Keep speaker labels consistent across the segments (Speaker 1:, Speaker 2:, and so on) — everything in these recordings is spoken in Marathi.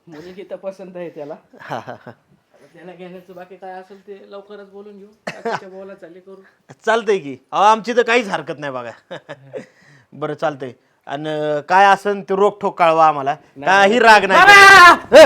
Speaker 1: मुलगी तर पसंत आहे त्याला.
Speaker 2: हा हा हा
Speaker 1: त्याला घेण्याचं बाकी काय असेल ते लवकरच बोलून घेऊ. बाकीच्या बोला चालली करू.
Speaker 2: चालतंय की अहो आमची तर काहीच हरकत नाही बघा. बरं चालतंय आणि काय असन ते रोखोक कळवा आम्हाला काही राग नाही.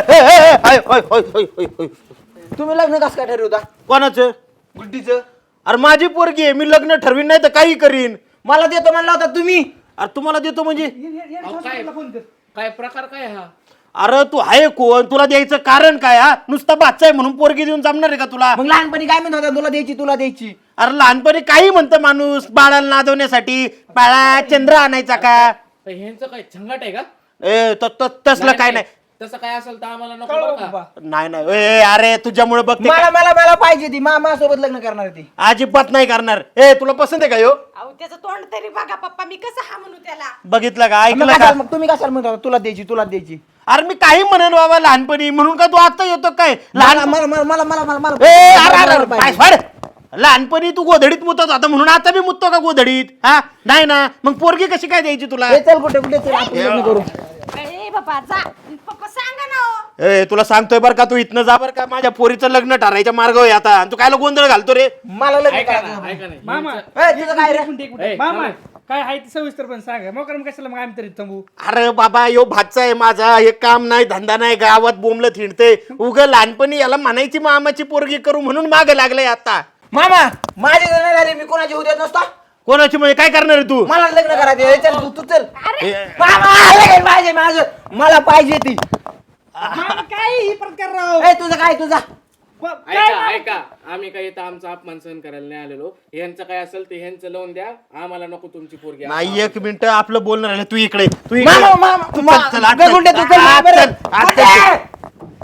Speaker 3: तुम्ही लग्न कसं काय ठरवता?
Speaker 2: कोणाचं?
Speaker 3: गुड्डीचं.
Speaker 2: अरे माझी पोरगी आहे, मी लग्न ठरवीन नाही तर काही करीन.
Speaker 3: मला देतो म्हणला होता तुम्ही.
Speaker 2: अरे तुम्हाला देतो म्हणजे
Speaker 1: काय प्रकार काय हा?
Speaker 2: अरे तू आहे कोण? तुला द्यायचं कारण काय? हा नुसता बादचा आहे म्हणून पोरगी देऊन जमणार आहे का तुला?
Speaker 3: मग लहानपणी काय म्हणत होता? तुला द्यायची तुला द्यायची.
Speaker 2: अरे लहानपणी काही म्हणतं माणूस बाळाला नादवण्यासाठी. बाळा चंद्र आणायचा का?
Speaker 1: ह्यांचं काय झंगाट आहे का?
Speaker 2: तसलं काय नाही.
Speaker 1: तसं काय असेल तर आम्हाला नको बरं का?
Speaker 2: नाही नाही अरे तुझ्यामुळे बघते
Speaker 3: मला मला मला पाहिजे ती मामा सोबत लग्न करणार ती.
Speaker 2: अजिबात नाही करणार. तुला पसंत आहे का यो?
Speaker 4: अहो त्याचं तोंड तरी बघा पप्पा, मी कसं हा म्हणू त्याला?
Speaker 2: बघितलं का?
Speaker 3: मग
Speaker 2: ऐकलं का?
Speaker 3: कशाला- मग तुम्ही कशाला म्हणत होता तुला द्यायची तुला द्यायची?
Speaker 2: अरे मी काही म्हणेन बाबा लहानपणी म्हणून का तू आता येतो काय?
Speaker 3: मला
Speaker 2: लहान
Speaker 3: मला मला मला मला मला
Speaker 2: अरे
Speaker 3: मला
Speaker 2: पाय
Speaker 3: पाहिजे.
Speaker 2: सोड. लहानपणी तू गोधडीत मुतत होता म्हणून आता मी मुततो का गोधडीत? हा नाही ना. मग पोरगी कशी काय द्यायची तुला?
Speaker 3: हे चल कुठे कुठे चल आपण लग्न करू.
Speaker 4: ए बाबा जा, पप्पा सांगा ना हो.
Speaker 2: तुला सांगतोय बरं का, तू इथनं जा बरं का. माझ्या पोरीचं लग्न ठरायच्या मार्ग आहे आता. आणि तू कायला गोंधळ घालतो रे?
Speaker 3: मला लग्न
Speaker 1: ऐका
Speaker 3: करायचं.
Speaker 1: ना, ऐका नाही.
Speaker 5: मामा
Speaker 3: ए, तुझं काय रे?
Speaker 5: मामा काय आहे ते सविस्तर पण सांगा. मोकरम कशाला मग आम्ही तरी थांबू.
Speaker 2: अरे बाबा यो भातचा आहे माझा. हे काम नाही धंदा नाही, गावात बोंबलं थिंडते. उग लहानपणी याला म्हणायची मामाची पोरगी करू म्हणून माग लागलंय आता.
Speaker 3: मामा माझे जण नाही झाले, मी कोणाची होऊ देत नसतो.
Speaker 2: कोणाची म्हणजे काय करणार आहे तू?
Speaker 3: मला लग्न करायचं. हे चल तू चल. मामा लग्न पाहिजे माझं. मला पाहिजे ती.
Speaker 5: मामा काय ही प्रकार राव?
Speaker 3: ए तुझं काय तुझा?
Speaker 1: ऐका ऐका, आम्ही काय इथं आमचा अपमान सहन करायला नाही आलेलो. यांचं काय असेल ते ह्यांचं लावून द्या. आम्हाला नको तुमची पोरगी.
Speaker 2: नाही एक मिनिट आपलं बोलणं राहिलं. तू इकडे
Speaker 3: मामा मामा
Speaker 2: चल, आत चल.
Speaker 3: गुंडे तू चल
Speaker 2: आत
Speaker 3: बरं.
Speaker 2: चल, आत चल.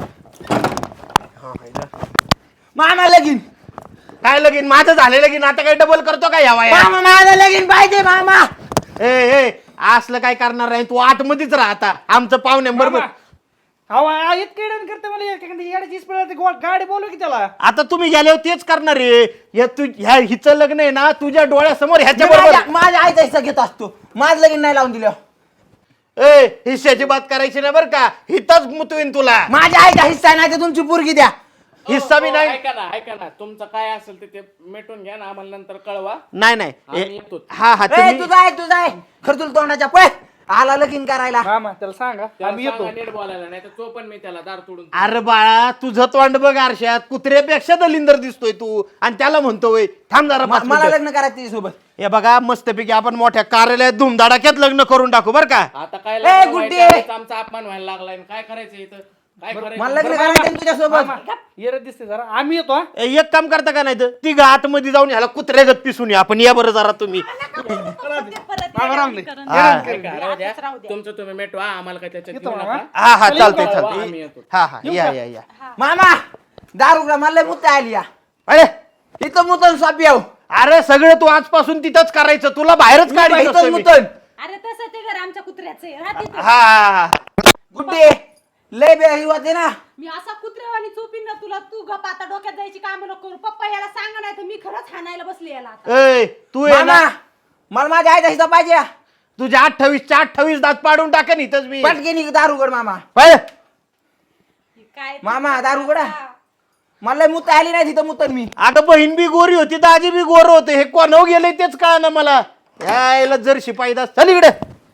Speaker 3: मामा लगीन.
Speaker 2: काय लगीन? माझं झालं लगीन. आता काय डबल करतो का या वयात?
Speaker 3: मामा माझं लगीन पाहिजे मामा.
Speaker 2: ए असलं काय करणार नाही तू. आतमध्येच राह आता. आमचं पाहुणे बरोबर.
Speaker 5: हवा इतके डन करते मला येड्याची स्पीड गाडी बोलू की त्याला.
Speaker 2: आता तुम्ही गेल्यावर तेच करणार रे. ह्या हिचं लग्न आहे ना तुझ्या डोळ्यासमोर ह्याच्या बरोबर.
Speaker 3: माझ्या आईचा हिस्सा घेत असतो. माझं लगीन नाही लावून दिलं.
Speaker 2: हिस्साची बात करायची नाही बरं का. हिथंच मुतवीन तुला.
Speaker 3: माझ्या आईचा हिस्सा नाही तर तुमची पोरगी द्या.
Speaker 2: हिस्सा बी नाही.
Speaker 1: ऐका ना, तुमचं काय असेल ते मिटून घ्या ना, आम्हाला नंतर कळवा.
Speaker 2: नाही
Speaker 1: आम्ही येतो.
Speaker 2: हा
Speaker 3: ए
Speaker 2: तुम्ही-
Speaker 3: तुझा आहे तुझा आहे. खरं तुला तोंडाच्या पळ आला लगीन करायला.
Speaker 5: मामा त्याला सांगा
Speaker 1: त्याला
Speaker 5: आम्ही येतो.
Speaker 1: सांगा नीट बोलायला, नाही तर तो पण मी त्याला दार तोडून.
Speaker 2: अरे बाळा तुझं तोंड बघ आरशात. कुत्र्यापेक्षा दलिंदर दिसतोय तू. आणि त्याला म्हणतोय थांब जरा 5
Speaker 3: मला
Speaker 2: मिनिटं.
Speaker 3: लग्न करायचं तिच्यासोबत.
Speaker 2: हे बघा मस्तपैकी आपण मोठ्या कार्यालयात धुमधडाक्यात लग्न करून टाकू बरं का.
Speaker 1: आता काय
Speaker 3: ए,
Speaker 1: लग्न
Speaker 3: गुड्डी!
Speaker 1: व्हायचं आहे, आमचा अपमान व्हायला लागलाय. काय करायचं इथं? काय करायचं?
Speaker 3: मला लग्न करायचं तुझ्यासोबत.
Speaker 5: येरत दिसते जरा आम्ही येतो.
Speaker 2: एक काम करता का नाही तर ती आतमध्ये जाऊन ह्याला कुत्र्यागत पिसून या. आपण या बरं जरा तुम्ही.
Speaker 5: मामा राम नाही.
Speaker 2: हा
Speaker 1: ऐका, राहू द्या. तुमचं तुम्ही मिटवा. आम्हाला काय त्याच्यात
Speaker 5: येतो
Speaker 1: घेऊ
Speaker 5: मामा.
Speaker 1: नका.
Speaker 2: हा चालतंय
Speaker 1: आम्ही
Speaker 2: चालतंय.
Speaker 1: येतो.
Speaker 2: हा या
Speaker 3: मामा दारू मला मुत्ता आली या.
Speaker 2: अरे
Speaker 3: इथं मुतन सापी याव.
Speaker 2: अरे सगळं तू आजपासून तिथंच करायचं. तुला बाहेरच काढायचं
Speaker 3: इथं
Speaker 2: असतं मी.
Speaker 3: मुतन.
Speaker 4: अरे तसं ते घर आमच्या कुत्र्याचं आहे. राहते ते.
Speaker 2: हा
Speaker 3: गुड्डे लय बेही होते ना.
Speaker 4: मी असा कुत्र्यावानी चोपीन ना तुला. तू गप आता डोक्यात जायची काम नको करू. पप्पा याला सांगा नाही तर मी खरंच हाणायला बसले याला आता.
Speaker 2: तू आहे
Speaker 3: मामा
Speaker 2: ना
Speaker 3: मला माझ्या आईचा हिस्सा पाहिजे.
Speaker 2: तुझ्या 28च्या 28 दात पाडून टाकेन इथंच मी.
Speaker 3: पटकेनी दारू उघड मामा.
Speaker 2: पाहिलं?
Speaker 4: हे काय
Speaker 3: मामा दारू उघडा. मला लय मुत्ता आली नाही तिथं मुतन मी.
Speaker 2: आता बहीण बी गोरी होती दाजी बी गोर होते. हे कोण गेले तेच कळ ना मला. यायला जर शिपाईदास चल इकडे.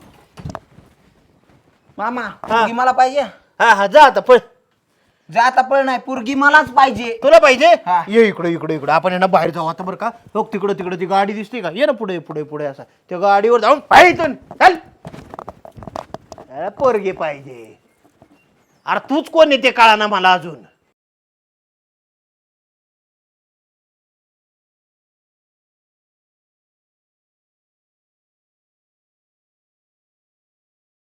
Speaker 3: मामा पोरगी मला पाहिजे.
Speaker 2: हा जा आता पळ.
Speaker 3: जा आता पळ नाही पोरगी मलाच पाहिजे.
Speaker 2: तुला पाहिजे
Speaker 3: हा.
Speaker 2: ये इकडे आपण ना बाहेर जाऊ आता बरं का. बघ तिकडे ती गाडी दिसते का. ये ना पुढे असा त्या गाडीवर जाऊन पाहिजे चल. पोरगी पाहिजे. अरे तूच कोण येते कळा ना मला अजून.